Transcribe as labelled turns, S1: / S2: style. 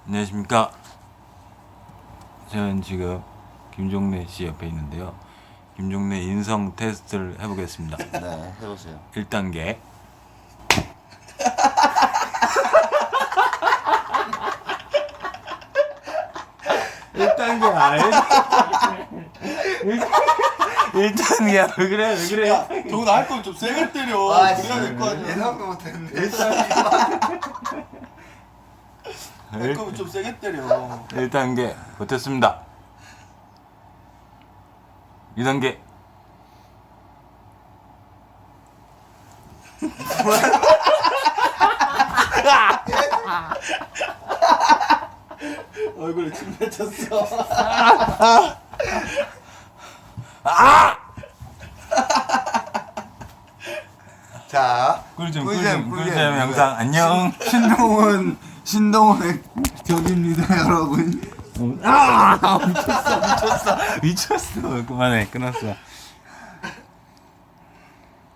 S1: 안녕하십니까. 저는 지금 김종래 씨 옆에 있는데요. 김종래 인성 테스트를 해보겠습니다.
S2: 네, 해보세요.
S1: 1단계. 일단계야. 왜 그래? 왜 그래?
S2: 야, 저거 나할 거면 좀 세게 때려.
S3: 아,
S2: 그래야 될 거 아니야.
S3: 예상도 못했는데.
S2: 할 거면 좀 세게 때려.
S1: 1단계 버텼습니다. 2단계.
S2: 얼굴에 침 뱉었어.
S3: 자,
S1: 꿀잼 영상 안녕.
S3: 신동훈의 격입니다, 여러분.
S1: 미쳤어. 그만해. 끊었어.